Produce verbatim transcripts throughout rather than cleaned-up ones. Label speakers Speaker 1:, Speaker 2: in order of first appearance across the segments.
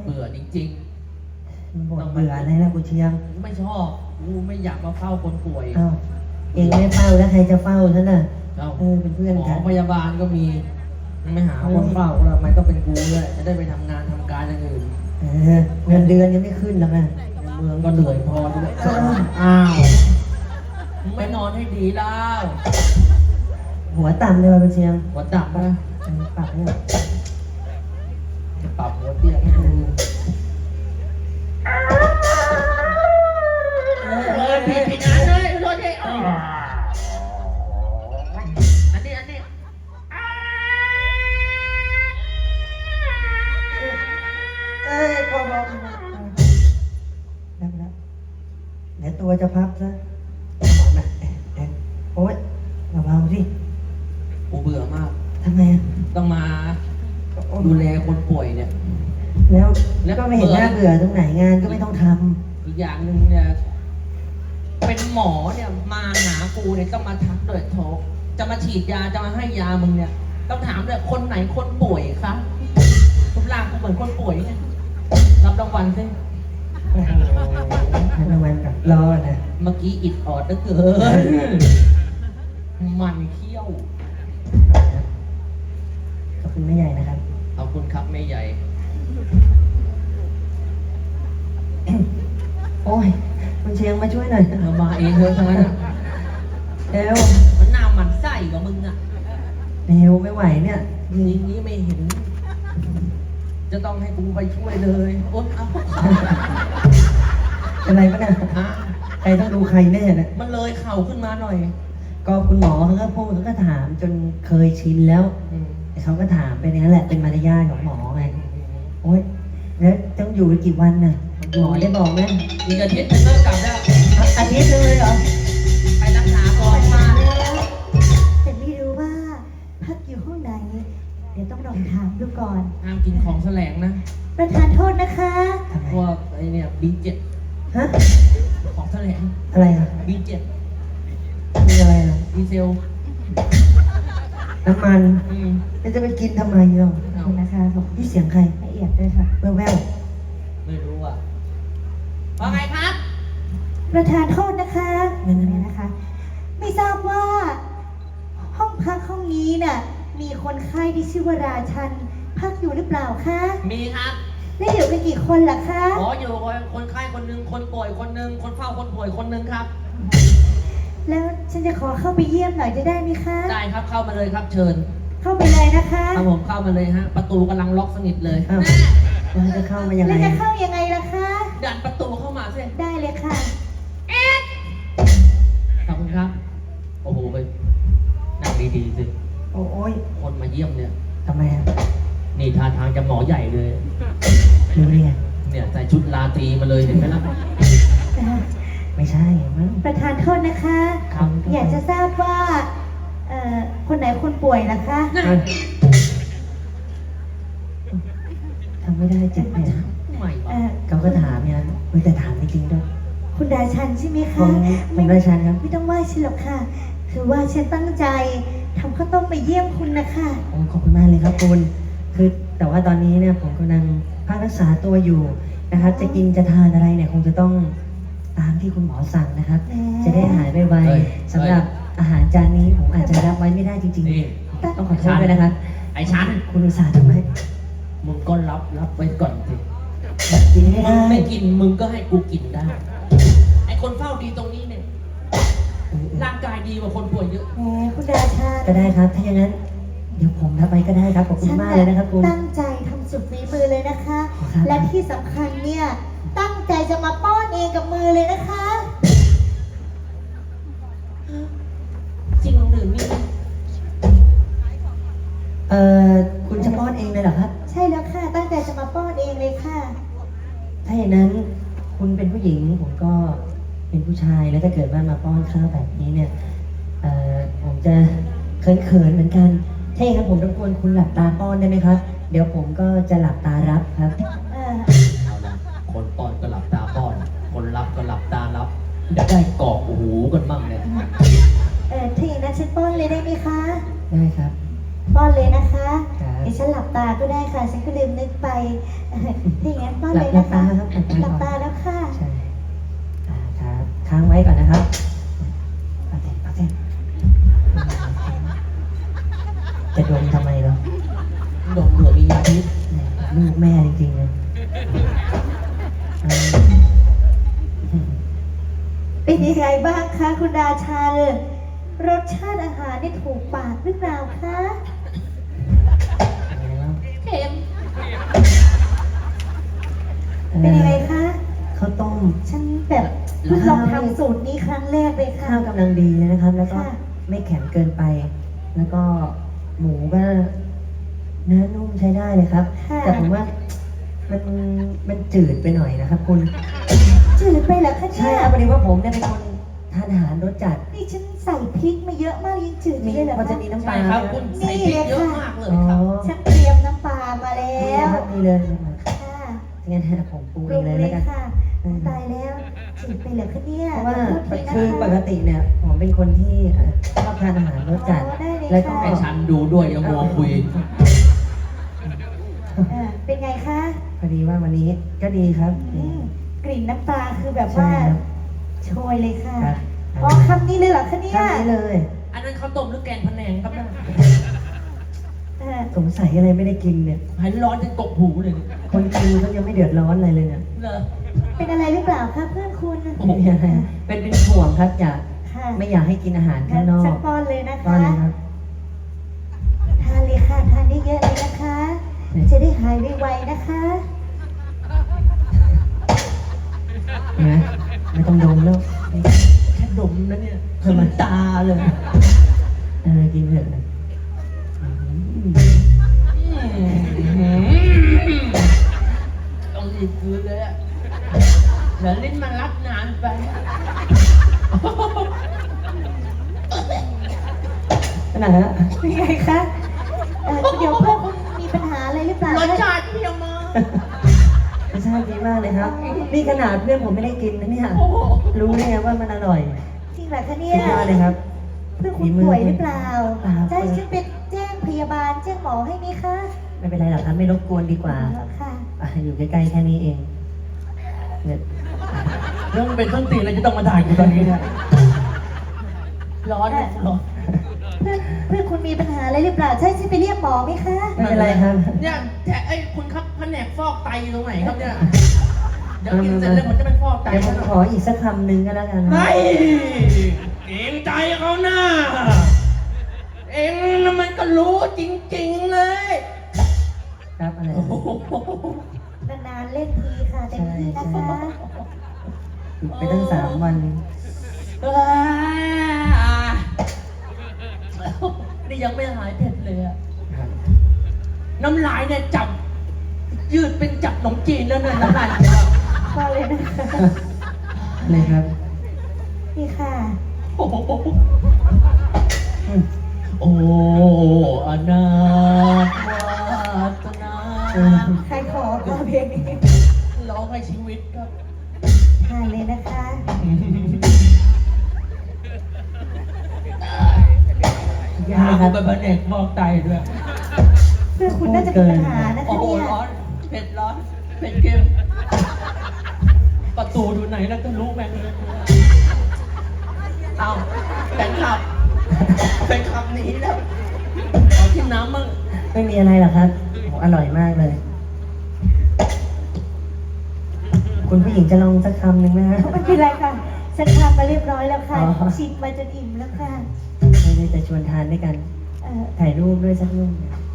Speaker 1: เบื่อจริง
Speaker 2: บ่นเบื่ออะไรล่ะกูเชียง
Speaker 1: ๆไม่ชอบกูไม่อยากมาเฝ้าคนป่วย
Speaker 2: อ้าวเองไม่เฝ้าแล้วใครจะเฝ้าฉันน่ะ
Speaker 1: เอ้า
Speaker 2: เออเป็นเพื่อน
Speaker 1: หมอ
Speaker 2: กัน
Speaker 1: พยาบาลก็มีไม่หาคนเฝ้าแล้วทำไมต้องเป็นกูด้วยจะได้ไปทำงานทำการอย่างอื่น
Speaker 2: เออเงินเดือนยังไม่ขึ้นหรอกนะ
Speaker 1: ในเมืองก็เหนื่อยพอด้วยอ้าวมึงไม่นอนให้ดีแล้ว
Speaker 2: หัวต่ำเลยว่ะกูเชียง
Speaker 1: หัวดับนะ
Speaker 2: เออปรับเนี่ย
Speaker 1: จะปรับหัวเตียงให้ดูเออผิดผิดอันเลยรถเลยอันนี้อันนี้
Speaker 2: เอ้ยพอบอกแล้วแล้วเดี๋ยวตัวจะพับซะบอกนะเอ๊ะเอ๊ะโอ๊ยเบาๆสิ
Speaker 1: กูเบื่อมาก
Speaker 2: ทำไมอ่ะ
Speaker 1: ต้องมาดูแลคนป่วยเนี่ย
Speaker 2: แล้ว
Speaker 1: แล้ว
Speaker 2: ก็ไม่เห็นน่าเบื่อตรงไหนงานก็ไม่ต้องท
Speaker 1: อีกอย่างหนึ่งเนี่ย เป็นหมอเนี่ยมาหากูเนี่ยต้องมาทักด้วยโทรจะมาฉีดยาจะมาให้ยามึงเนี่ย ต้องถามเลยคนไหนคนป่วยคะทุกร่างกูเหมือนคนป่วยเนี่ยรับรางวัลสิ
Speaker 2: ำให้รางวัลกับรอนะ
Speaker 1: เมื่อกี้อิดออดเหลือเกินมันเขี้ยว
Speaker 2: ขอบคุณแม่ใหญ่นะครับ
Speaker 1: ขอบคุณครับแม่ใหญ่
Speaker 2: โอ้ยคุณเชียงมาช่วยหน่อย
Speaker 1: เธอมาเองเธอทั้งนั้นอะ
Speaker 2: เร็ว
Speaker 1: มันหน้ามันไส้กับมึงอะ
Speaker 2: เร็วไม่ไหวเนี่ย
Speaker 1: อย่างนี้ไม่เห็น จะต้องให้กูไปช่วยเลยโอ๊ยเอา
Speaker 2: อะไรปะเนี่ย
Speaker 1: ฮะ
Speaker 2: ใครต้องดูใครแน่เนี่ย
Speaker 1: มันเลยเข่าขึ้นมาหน่อย
Speaker 2: ก็คุณหมอเขาก็พูดเขาก็ถามจนเคยชินแล้ว
Speaker 1: อืม
Speaker 2: เขาก็ถามไปนั้นแหละเป็นมารยาทของหมอไงโอ๊ยแล้วต้องอยู่กันกี่วันน่ะหมอได้บอกไหม
Speaker 1: อีกอาทิตย์หนึงเลิกกลับแล้ว
Speaker 2: อาทิตย์นึงเลยเหรอ
Speaker 1: ไปรักษาก่อนมา
Speaker 3: แต่ไม่รู้ว่าพักอยู่ห้องไหน เดี๋ยวต้องลองถามดูก่อน
Speaker 1: ห้ามกินของแสลงนะ
Speaker 3: ประธานโทษนะคะ
Speaker 2: ทำไม
Speaker 1: พวกไอเนี่ยบีเจ็ด
Speaker 2: ฮะ
Speaker 1: ของแสลง
Speaker 2: อะไรอ่ะ
Speaker 1: บีเจ็ด
Speaker 2: มีอะไรอ่ะ
Speaker 1: ดีเซล
Speaker 2: น้ำมัน
Speaker 1: อืม
Speaker 2: แล้วจะไปกินทำไมเนาะ
Speaker 3: ขอบคุณนะคะขอบคุณ
Speaker 2: นี่เสียงใคร
Speaker 3: ละเอียดด้วยค่ะ
Speaker 2: แว่วแวว
Speaker 1: ไม่รู้อ่ะว่าไงครับ
Speaker 3: ประธานโทษนะคะนี่นะคะ ไม่ทราบว่า ห้องพักห้องนี้น่ะ มีคนไข้ที่ชื่อว่าราชัน พักอยู่หรือเปล่าคะ
Speaker 1: มีครับ
Speaker 3: และอยู่กันกี่คนล่ะคะ
Speaker 1: หมออยู่คนคนไข้คนหนึ่งคนป่วยคนหนึ่งคนเฝ้าคนป่วยคนหนึ่งครับ
Speaker 3: แล้วฉันจะขอเข้าไปเยี่ยมหน่อยจะได้ไหมคะ
Speaker 1: ได้ครับเข้ามาเลยครับเชิญ
Speaker 3: เข้าไปเลยนะคะ
Speaker 1: ครับผมเข้ามาเลยฮะ ประตูกำลังล็อกสนิทเลย
Speaker 2: อ้าวแล้วจะเข้ามายังไง
Speaker 3: แล้วจะเข้ายังไงล่ะคะ
Speaker 1: ดันประตูเข้ามาสิ
Speaker 3: ได้เลยค่ะ
Speaker 1: ขอบคุณครับ โอ้โหไปนั่งดีๆสิ
Speaker 2: โอ้ย
Speaker 1: คนมาเยี่ยมเนี่ย
Speaker 2: ทำไมอ่ะ
Speaker 1: นี่ท่าทางจะหมอใหญ่เลย
Speaker 2: รู้ได้ไง
Speaker 1: เนี่ยใส่ชุดราตรีมาเลยเห็นไหมล่ะ
Speaker 2: ไม่ใช่มั้ง
Speaker 3: ประธานโทษนะคะ
Speaker 1: ครับ
Speaker 3: อยากจะทราบว่า เอ่อ คนไหนคนป่วยนะคะ
Speaker 1: น่ะ
Speaker 2: ทำไม่ได้เจ็บเนี่ย
Speaker 1: ใหม่
Speaker 3: เอ่อ
Speaker 2: เขาก็ถามอย่างนั้นเฮ้ยแต่ถามจริงๆด้วย
Speaker 3: คุณดาชันใช่ไหม
Speaker 2: ผ
Speaker 3: คะ
Speaker 2: มผมราชันครับ
Speaker 3: ไม่ต้องไหว้ฉันหรอกค่ะ คือว่าฉันตั้งใจทำข้าวต้มไปเยี่ยมคุณนะคะ
Speaker 2: โอ้ขอบคุณมากเลยครับคุณ คือแต่ว่าตอนนี้เนี่ยผมกำลังพักรักษาตัวอยู่นะครับ จะกินจะทานอะไรเนี่ยคงจะต้องตามที่คุณหมอสั่งนะครับ
Speaker 3: แหม
Speaker 2: จะได้หายไวๆสำหรับอาหารจานนี้ผมอาจจะรับไว้ไม่ได้จริง
Speaker 1: นี่
Speaker 2: ๆ ต้องขอโทษด้วยนะครับ
Speaker 1: ไอ้ฉัน
Speaker 2: คุณอุตส่าห์ทำให้
Speaker 1: มึงก็รับรับไว้ก่อนสิ
Speaker 2: กินไม่
Speaker 1: มึ
Speaker 2: ได้
Speaker 1: งไม่กินมึงก็ให้กูกินได้ ไอ้คนเฝ้าดีตรงนี้เนี่ย ร่างกายดีกว่าคนป่วยเยอะ
Speaker 3: แหมคุณดาชัน
Speaker 2: ก็ได้ครับ ถ้าอย่างนั้น เดี๋ยวผมรับไปก็ได้ครับขอบคุณ
Speaker 3: ฉัน
Speaker 2: มากเลยนะครับคุณ
Speaker 3: ตั้งใจทำสุดฝีมือเลยนะคะ
Speaker 2: ครับ
Speaker 3: และที่สำคัญเนี่ย ตั้งใจจะมาป้อนเองกับมือเลยนะคะ
Speaker 1: จริงหรือนี่
Speaker 2: เอ่อคุณจะป้อนเองเลยเหรอครับ
Speaker 3: ใช่แล้วค่ะ ตั้งใจจะมาป้อนเองเลยค่ะ
Speaker 2: ถ้าอย่างนั้นคุณเป็นผู้หญิงผมก็เป็นผู้ชายแล้วถ้าเกิดว่ามาป้อนข้าวแบบนี้เนี่ยเอ่อผมจะเขินๆเหมือนกันถ้าอย่างนั้นผมรบกวนคุณหลับตาป้อนได้ไหมครับ เดี๋ยวผมก็จะหลับตารับครับ
Speaker 3: เออ
Speaker 1: เอาละคนป้อนก็หลับตาป้อน คนรับก็หลับตารับจะได้กรอกหูกันบ้างเนี่ย
Speaker 3: เออถ้าอย่างนั้นฉันป้อนเลยได้ไหมคะ
Speaker 2: ได้ครับ
Speaker 3: ป้อนเลยนะคะ
Speaker 2: ครับ
Speaker 3: เดี๋ยวฉันหลับตาก็ได้ค่ะ ฉันก็ลืมนึกไป เอถ้าอย่างนั้นป้อน
Speaker 2: หลั
Speaker 3: เล
Speaker 2: บ
Speaker 3: ย
Speaker 2: หลั
Speaker 3: นะ
Speaker 2: บ
Speaker 3: คะ
Speaker 2: ตาครับหลับตา
Speaker 3: หลับ
Speaker 2: ก่อน
Speaker 3: ตาแล้วค่ะ
Speaker 2: ใช่อ่าครับค้างไว้ก่อนนะครับโอเคโอเคจะดมทำไมเหรอ
Speaker 1: ดมเผื่อมียาพิษ
Speaker 2: แหมลูกแม่จริงๆเลยอืม
Speaker 3: เป็นยังไงบ้างคะคุณราชันรสชาติอาหารนี่ถูกปากหรือเปล่าคะ
Speaker 1: เค็ม
Speaker 3: เป็นยังไงคะ
Speaker 2: ข้าวต้ม
Speaker 3: ฉันแบบเพิ่งลองทำสูตรนี้ครั้งแรกเลยค่ะ
Speaker 2: ข้าวกำลังดีเลยนะครับ แล้วก็
Speaker 3: ค่ะ
Speaker 2: ไม่แข็งเกินไป แล้วก็หมูก็เนื้อนุ่มใช้ได้เลยครับ
Speaker 3: ค่ะ
Speaker 2: แต่ผมว่ามันมันจืดไปหน่อยนะครับ คุณ
Speaker 3: จืดไปเหรอคะ
Speaker 2: ใช่
Speaker 3: เนี่ย
Speaker 2: ครับพอดีว่าผมเนี่ยเป็นคนทานอาหารรสจัด
Speaker 3: นี่ฉันใส่พริกมาเยอะมากยิ่งจืด
Speaker 2: มี
Speaker 3: เลยเหรอ
Speaker 2: พอจะ
Speaker 3: คะ
Speaker 2: มีน้ำป
Speaker 1: ใช่
Speaker 2: ลา
Speaker 1: ครับ
Speaker 2: ไหม
Speaker 1: คุณใส่พริกเยอะมากเลย
Speaker 2: อ๋อ
Speaker 1: ครับ
Speaker 3: ฉันเตรียมน้ำปลามาแล้
Speaker 2: นี่
Speaker 3: ว
Speaker 2: นะครับนี่เลยนะครับ
Speaker 3: ค่ะ
Speaker 2: งั้นผมปรุง
Speaker 3: ป
Speaker 2: เอ
Speaker 3: รุ
Speaker 2: ง
Speaker 3: ง
Speaker 2: เลย
Speaker 3: เล
Speaker 2: แล้ว
Speaker 3: ย
Speaker 2: กัน
Speaker 3: ค่ะตายแล้วจืดไปเหรอคะเนี่ย
Speaker 2: เพราะว่า
Speaker 3: ขอโทษทีนะ
Speaker 2: คือปก
Speaker 3: คะ
Speaker 2: ติเนี่ยผมเป็นคนที่เอ่อชอบทานอาหารรสจัด
Speaker 3: อ๋อได้เลย
Speaker 2: แล้วก็
Speaker 3: ค่ะ
Speaker 1: ให้ฉันดูด้วยอย่ามัวคุย
Speaker 3: เออเป็นไงคะ
Speaker 2: พอดีว่าวันนี้ก็ดีครับ
Speaker 3: อืมกลิ่นน้ำปลาคือแบบ
Speaker 2: ใช่
Speaker 3: ว่า
Speaker 2: ครับ
Speaker 3: โชยเลยค่ะ
Speaker 2: ครับ
Speaker 3: อ๋อคำนี้เลยเหรอคะเนี่ย
Speaker 2: ทำนี้เลย
Speaker 1: อันนั้นข้าวต้มหรือแกงพะแนงครับเนี่ย
Speaker 3: เออ
Speaker 2: สงสัยอะไรไม่ได้กินเนี่ย
Speaker 1: ให้ร้อนจนกบหูเลย
Speaker 2: คนกินเขายังไม่เดือดร้อนอะไรเลยเนี่ย
Speaker 1: เหรอ
Speaker 3: เป็นอะไรหรือเปล่าคะเพื่อนคุณ
Speaker 1: โอ้โห
Speaker 2: ไม่มีอะไรเป็นเป็นห่วงครับอยาก
Speaker 3: ค่ะ
Speaker 2: ไม่อยากให้กินอาหารข้างนอ
Speaker 3: สั
Speaker 2: ก
Speaker 3: กป้อนเลยนะ
Speaker 2: ก็
Speaker 3: คะ
Speaker 2: เลยครับ
Speaker 3: ทานเลยค่ะทานได้เยอะเลยนะคะ จะได้หายไวๆนะคะ
Speaker 2: เห็นไหมไม่ต้องดมแล้ว
Speaker 1: แค่ดมนะเนี่ยขึ้นตาเลย
Speaker 2: เออกินเถอะนะอืม
Speaker 1: ต้องรีบคืนเลยอะเดี๋ยวลิ้นมันรับนานไป
Speaker 2: ขนาดนั้นอะ
Speaker 3: เป็นไงคะเออเดี๋ยวเพื่อนคุณมีปัญหาอะไรหรือเปล่าร
Speaker 1: สชาติเพียงมาก
Speaker 2: รสชาติดีมากเลยครับ นี่ขนาดเพื่อนผมไม่ได้กินนะเนี่ย
Speaker 1: โอ้โห
Speaker 2: รู้ได้ไงว่ามันอร่อย
Speaker 3: จริงเหรอคะ
Speaker 2: สุ
Speaker 3: เนี่ย
Speaker 2: ดยอดเลยครับ
Speaker 3: เพื่อนคุณป่วยหรือเปล่า
Speaker 2: เปล่า
Speaker 3: จะให้ฉันเป็นแจ้งพยาบาลแจ้งหมอให้ไหมคะ
Speaker 2: ไม่เป็นไรหรอกครับไม่รบกวนดีกว่า
Speaker 3: อ๋อค่ะ
Speaker 2: อ่ะอยู่ใกล้ๆแค่นี้เองเนี่ย
Speaker 1: เรื่องมันเป็นต้นตีนอะไรจะต้องมาถ่ายกูตอนนี้เนี่ยร้อนเนี่ยร้อน
Speaker 3: เพื่อนเพื่อนคุณมีปัญหาอะไรหรือเปล่าใช่ฉันไปเรียกหมอไหมคะ
Speaker 2: ไม่เป็นไรครับ
Speaker 1: เนี่ยแจะไอ้ยคุณครับแผนกฟอกไตอยู่ตรงไหนครับเนี่ย เดี๋ยวกินเสร็จแล้วมันจะเป็นฟอกไต
Speaker 2: เดี๋ยวผมขออีกสักคำหนึ่งก็แล้วกันนะ
Speaker 1: ไอ้เองใจเขาหน้า เองน่ะมันก็รู้จริงๆเลย
Speaker 2: ครับอะไร
Speaker 1: โอ้โห
Speaker 3: นานๆเล่นทีค่ะเต็มที่นะคะ
Speaker 2: หยุดไปตั้งสามวัน
Speaker 1: อ่านี่ยังไม่หายเผ็ดเลยอะ
Speaker 2: ครับ
Speaker 1: น้ำลายเนี่ยจับ ยืดเป็นจับขนมจีนแล้วเนี่ยน้ำลายเนี่ย
Speaker 3: พอเลยนะคะ
Speaker 2: เลยครับ
Speaker 3: นี่ค่ะ
Speaker 1: โอ้โห
Speaker 2: อืม
Speaker 1: โอ้อนาถวาสนา
Speaker 2: เออ
Speaker 3: ใครขอก็เพลงนี้
Speaker 1: ร้องให้ชีวิตครับ
Speaker 3: ทานเลยนะคะ
Speaker 1: ยาคุณเป็นแผนกฟอกไตด้วย
Speaker 3: เพื่อนคุณน่าจะมีปัญหานะ
Speaker 1: โอ้
Speaker 3: คะ
Speaker 1: โห
Speaker 3: เนี่ย
Speaker 1: ร้อนเผ็ดร้อนเผ็ดเค็มประตูดูไหนแล้วก็รู้แม่งเลยเอาแต่งขับเป็นขับหนีแล้วขอกินน้ำมั่ง
Speaker 2: ไม่มีอะไรหรอกครับโอ้อร่อยมากเลย คุณผู้หญิงจะลองสักคำหนึ่งไหมฮะ
Speaker 3: ไม่เป็นไรค่ะฉันทำมาเรียบร้อยแล้วค่ะ
Speaker 2: อ๋อ
Speaker 3: ชิมมาจนอิ่มแล้วค่ะ
Speaker 2: ไม่ได้จะชวนทานด้วยกัน
Speaker 3: เออ
Speaker 2: ถ่ายรูปด้วยสักรูป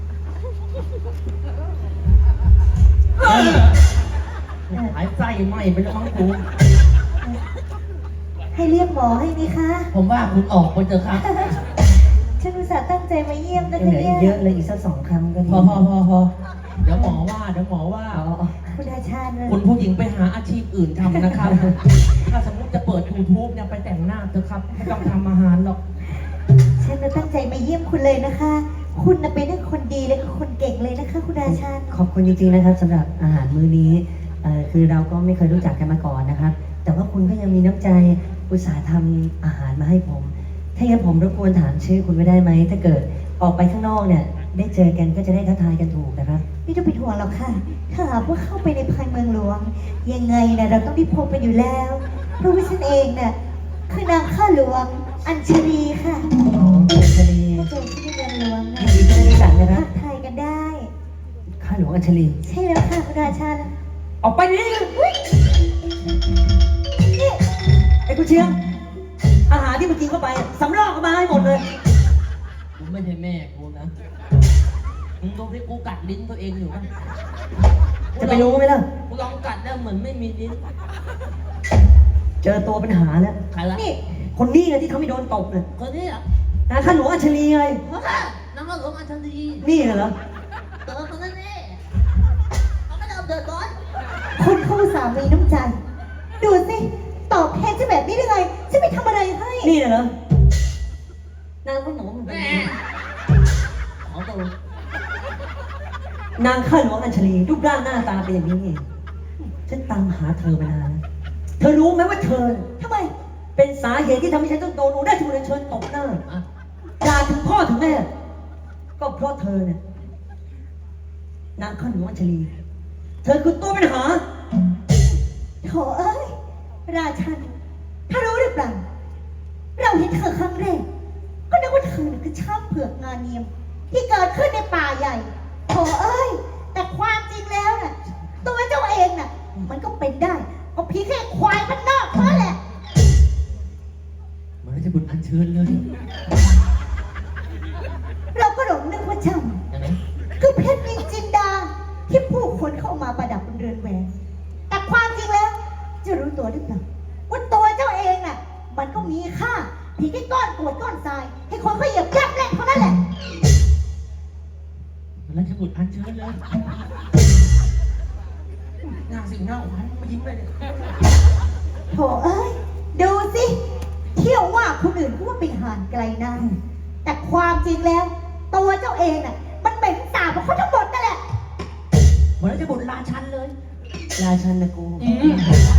Speaker 1: หายไส้ไหมไปแล้วมั้งกู
Speaker 3: ให้เรียกหมอให้ไหมคะ
Speaker 1: ผมว่าคุณออกไปเถอะครับ
Speaker 3: ฉันอุตส่าห์ตั้งใจมาเยี่ยมนะ
Speaker 2: ยัง
Speaker 3: คะ
Speaker 2: เหลือ
Speaker 3: เนี่
Speaker 2: อีกเย
Speaker 3: ย
Speaker 2: อะเลยอีกสักสองคำก็ดี
Speaker 1: พอพอพอพอเดี๋ยวหมอว่าเดี๋ยวหมอว่า
Speaker 2: อ๋อ
Speaker 3: คุณอาชาญ
Speaker 1: คุณผู้หญิงไปหาอาชีพอื่นทำนะครับ ถ้าสมมติจะเปิด ยูทูบ เนี่ยไปแต่งหน้าเถอะครับ ไม่ต้องทำอาหารหรอก
Speaker 3: ฉันน่ะตั้งใจมาเยี่ยมคุณเลยนะคะ คุณน่ะเป็นทั้งคนดีและก็คนเก่งเลยนะคะ คุณอาชาญ
Speaker 2: ขอบคุณจริงๆนะครับสำหรับอาหารมื้อนี้เอ่อคือเราก็ไม่เคยรู้จักกันมาก่อนนะครับ แต่ว่าคุณก็ยังมีน้ำใจอุตส่าห์ทำอาหารมาให้ผม ถ้าอย่างนั้นผมรบกวนถามชื่อคุณไม่ได้ไหม ถ้าเกิดออกไปข้างนอกเนี่ย ได้เจอกันก็จะได้ทักทายกันถูกนะครับ
Speaker 3: ไไม่ต้องเป็นห่วงหรอกค่ะ ถ้าหากว่าเข้าไปในภายเมืองหลวง ยังไงนะเราต้องได้พบกันอยู่แล้ว เพราะว่าฉันเองน่ะคือนางข้าหลวงอัญชลีค่ะ
Speaker 2: อ๋ออัญชลี
Speaker 3: ถ้าเจอที่ในเมืองหลวงนะ
Speaker 2: ยินดีที่ได้รู้จักนะค
Speaker 3: ทั
Speaker 2: รับ
Speaker 3: กทายกันได้
Speaker 2: ข้าหลวงอัญชลี
Speaker 3: ใช่แล้วค่ะคุณราชัน
Speaker 2: ออกไปนี่
Speaker 3: นี่
Speaker 2: ไอ้กูเชียง อาหารที่มึงกินเข้าไปสำรอกออกมาให้หมดเลย
Speaker 1: กูไม่ใช่แม่กูนะมึงดูที่กูกัดลิ้นตัวเองอยู่ปะ
Speaker 2: จะไปรู้ไหมล่ะ
Speaker 1: กูลองกัดแล้วเหมือนไม่มีลิ้น
Speaker 2: เจอตัวปัญหาแล้ว
Speaker 1: ใครละ
Speaker 3: นี่
Speaker 2: คนนี้นะที่ทำให้โดนตบเนี่ย
Speaker 1: คนนี้เหรอ
Speaker 2: นะข้าหลวงอัญชลีไง
Speaker 1: เฮ้ยน้องหลวงอัญชลี
Speaker 2: นี่เหรอ
Speaker 1: เจอคนนั้นนี่เขาไม่ได้เอาเดือดร้อน
Speaker 3: คุณเข้าสามีน้ำใจ ดูสิ ตอบแทนฉันแบบนี้ได้ไงฉันไปทำอะไรให้
Speaker 2: นี่เหรอ นางข้าหลวง
Speaker 1: แม่ขอตัว
Speaker 2: นางข้าหลวงอัญชลีรูปร่างหน้าตาเป็นอย่างนี้เองฉันตามหาเธอมานานแล้วเธอรู้ไหมว่าเธอ
Speaker 3: ทำไม
Speaker 2: เป็นสาเหตุที่ทำให้ฉันต้องโดนอุได้ชูเรนเชิญตบหน้า
Speaker 1: อ่ะ
Speaker 2: ด่าถึงพ่อถึงแม่ ก็เพราะเธอเนี่ยนางข้าหลวงอัญชลี เธอคือตัวปัญหา
Speaker 3: โถเอ้ย ราชัน ถ้ารู้หรือเปล่า เราเห็นเธอครั้งแรก ก็นึกว่าเธอน่ะคือช้างเผือกงานเนียม ที่เกิดขึ้นในป่าใหญ่โถเอ้ย แต่ความจริงแล้วน่ะ ตัวเจ้าเองน่ะ มันก็เป็นได้ก็เพียงแค่ควายมันนอกเท่านั้นแหละ
Speaker 1: เหมือนจะบุญอัญเชิญเลย
Speaker 3: เราก็หลงนึกว่าเจ้า
Speaker 1: ยังไง
Speaker 3: คือเพชรนินจินดา ที่ผู้คนเข้ามาประดับบนเรือนแหวน แต่ความจริงแล้ว จะรู้ตัวหรือเปล่าว่าตัวเจ้าเองน่ะ มันก็มีค่าเพียงแค่ก้อนกรวดก้อนทราย ให้คนเขาเหยียบย่ำแรงเท่านั้นแหละ
Speaker 1: เหมือนจะบุญอัญเชิญเลยหน้าสิ่งหน้าขวัญมายิ้มเลยเนี่ย
Speaker 3: โถเอ้ย ดูสิ เที่ยวว่าคนอื่นก็ว่าเป็นห่านไกลนานแต่ความจริงแล้ว ตัวเจ้าเองน่ะ มันเป็นสาวของเขาทั้งหมดนั่นแหละ
Speaker 1: เหมือนจะบุญราชันเลย
Speaker 2: ราชันนะกู
Speaker 1: อืม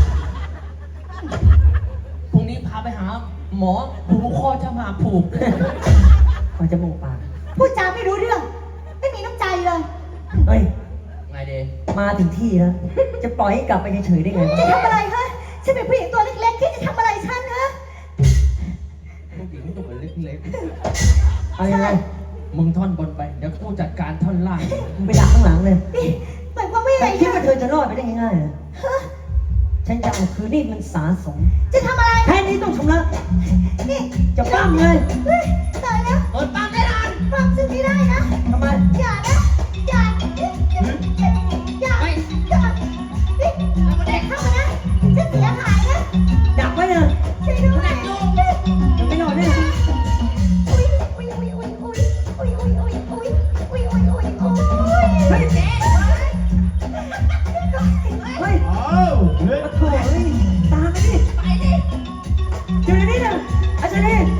Speaker 1: พรุ่งนี้พาไปหา หมอผูกคอจะมาผูกด้วย
Speaker 2: ขอจมูกปาก
Speaker 3: พูดจาไม่รู้เรื่อง ไม่มีน้ำใจเลย
Speaker 2: เฮ้ย
Speaker 1: ไงเดย์
Speaker 2: มาถึงที่แล้ว จะปล่อยให้กลับไปเฉยๆได้ไง
Speaker 3: จะ
Speaker 2: วะ
Speaker 3: ทำอะไรฮะฉันเป็นผู้หญิงตัวเล็กๆที่จะทำอะไรฉันฮะ
Speaker 1: ผู้หญิงตัวเล็ก
Speaker 2: เอายังไง
Speaker 1: ๆมึงท่อนบนไป เดี๋ยวกูจัดการท่อนล่าง
Speaker 2: มึงไปดักข้างหลังเลย
Speaker 3: นี่หมายความว่ายังไง
Speaker 2: แต่คิด
Speaker 3: ฮะ
Speaker 2: ว่าเธอจะรอดไปได้ง่ายๆเหรอ
Speaker 3: ฮะ
Speaker 2: ฉันจะเอาคืนนี่มันสาสม
Speaker 3: จะทำอะไร
Speaker 2: แค่นี้ต้องชำระ
Speaker 3: นี่
Speaker 2: จะปั้มเลย
Speaker 3: เฮ้ยตายแล้ว
Speaker 1: เปิดปั๊มได้นาน
Speaker 3: ฟังฉันไม่ได้นะ
Speaker 2: ทำไม
Speaker 3: อย่านะ อย่า อย่า อย่า
Speaker 1: ไม่
Speaker 3: อย่านี่เด็กเข้ามานะจะเสียหายนะ
Speaker 2: ดักไว้เลย
Speaker 3: ช่วยด้วย
Speaker 2: จะไม่รอดแน่
Speaker 3: อุ้ยอุ้ยอุ้ยอุ้ยอุ้ยอุ้ยอุ้ยอุ้ยอุ้ยอุ้ยอุ้ยอุ้ยอุ้ย
Speaker 2: เฮ้ยเจ๊เฮ้ย
Speaker 4: อ้าวเฮ้ย
Speaker 2: มาโถ่เฮ้ยตามไปดิ
Speaker 3: ไปดิ
Speaker 2: อยู่ในนี้นะอาจารย์นี่